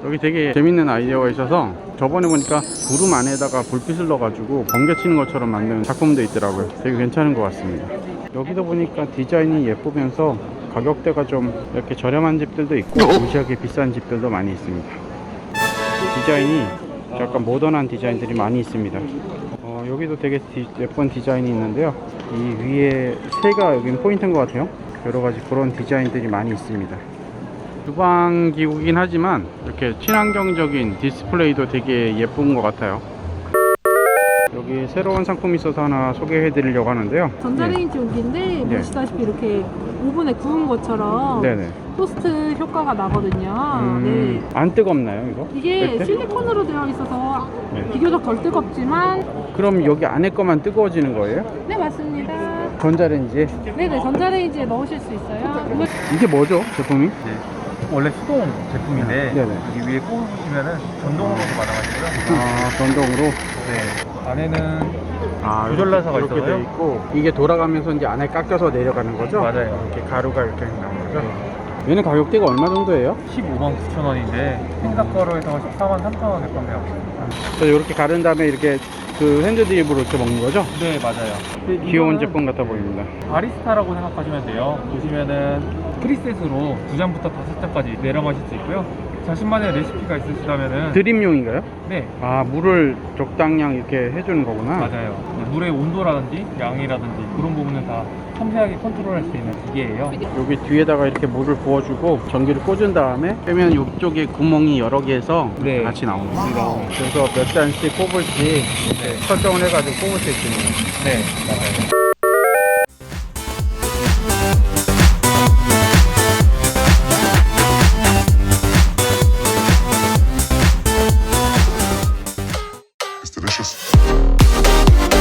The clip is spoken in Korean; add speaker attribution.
Speaker 1: 여기 되게 재밌는 아이디어가 있어서 저번에 보니까 구름 안에다가 불빛을 넣어가지고 번개 치는 것처럼 만든 작품도 있더라고요. 되게 괜찮은 것 같습니다. 여기도 보니까 디자인이 예쁘면서 가격대가 좀 이렇게 저렴한 집들도 있고 무시하게 비싼 집들도 많이 있습니다. 디자인이 약간 모던한 디자인들이 많이 있습니다. 여기도 되게 예쁜 디자인이 있는데요. 이 위에 새가 여긴 포인트인 것 같아요. 여러가지 그런 디자인들이 많이 있습니다. 주방 기구긴 하지만 이렇게 친환경적인 디스플레이도 되게 예쁜 것 같아요. 여기 새로운 상품이 있어서 하나 소개해 드리려고 하는데요.
Speaker 2: 전자레인지 용기인데 보시다시피 이렇게 오븐에 구운 것처럼
Speaker 1: 네네.
Speaker 2: 토스트 효과가 나거든요. 네.
Speaker 1: 안 뜨겁나요 이거?
Speaker 2: 이게
Speaker 1: 뺄 때?
Speaker 2: 실리콘으로 되어 있어서
Speaker 1: 네.
Speaker 2: 비교적 덜 뜨겁지만
Speaker 1: 그럼 여기 안에 거만 뜨거워지는 거예요?
Speaker 2: 네 맞습니다.
Speaker 1: 전자레인지에?
Speaker 2: 네네 전자레인지에 넣으실 수 있어요.
Speaker 1: 이게 뭐죠 제품이?
Speaker 3: 원래 수동 제품인데
Speaker 1: 네네.
Speaker 3: 여기 위에 꼽으시면은 전동으로도 가능하시고요.
Speaker 1: 아 전동으로?
Speaker 3: 네. 안에는
Speaker 1: 아,
Speaker 3: 조절 나사가
Speaker 1: 이렇게
Speaker 3: 있어서요?
Speaker 1: 돼 있고 이게 돌아가면서 이제 안에 깎여서 내려가는 거죠?
Speaker 3: 맞아요.
Speaker 1: 이렇게 가루가 이렇게 나오는 거죠? 얘는 가격대가 얼마 정도예요?
Speaker 3: 15만 9천 원인데 행사 거로 해서 14만 3천 원에 판매하고 있습니다.
Speaker 1: 그래서 이렇게 가른 다음에 이렇게 그 핸드드립으로 이렇게 먹는 거죠?
Speaker 3: 네 맞아요.
Speaker 1: 귀여운 제품 같아 보입니다.
Speaker 3: 바리스타라고 생각하시면 돼요. 보시면은 프리셋으로 2잔부터 5잔까지 내려 마실 수 있고요. 자신만의 레시피가 있으시다면은
Speaker 1: 드립용인가요?
Speaker 3: 네
Speaker 1: 아, 물을 적당량 이렇게 해주는 거구나.
Speaker 3: 맞아요. 물의 온도라든지 양이라든지 그런 부분은 다 섬세하게 컨트롤할 수 있는 기계예요.
Speaker 1: 여기 뒤에다가 이렇게 물을 부어주고 전기를 꽂은 다음에 빼면 이쪽에 구멍이 여러 개에서
Speaker 3: 네.
Speaker 1: 같이 나오는 거예요. 그래서 몇 잔씩 꼽을지 설정을 해가지고 꼽을 수 있습니다.
Speaker 3: 네 맞아요.
Speaker 4: It's delicious.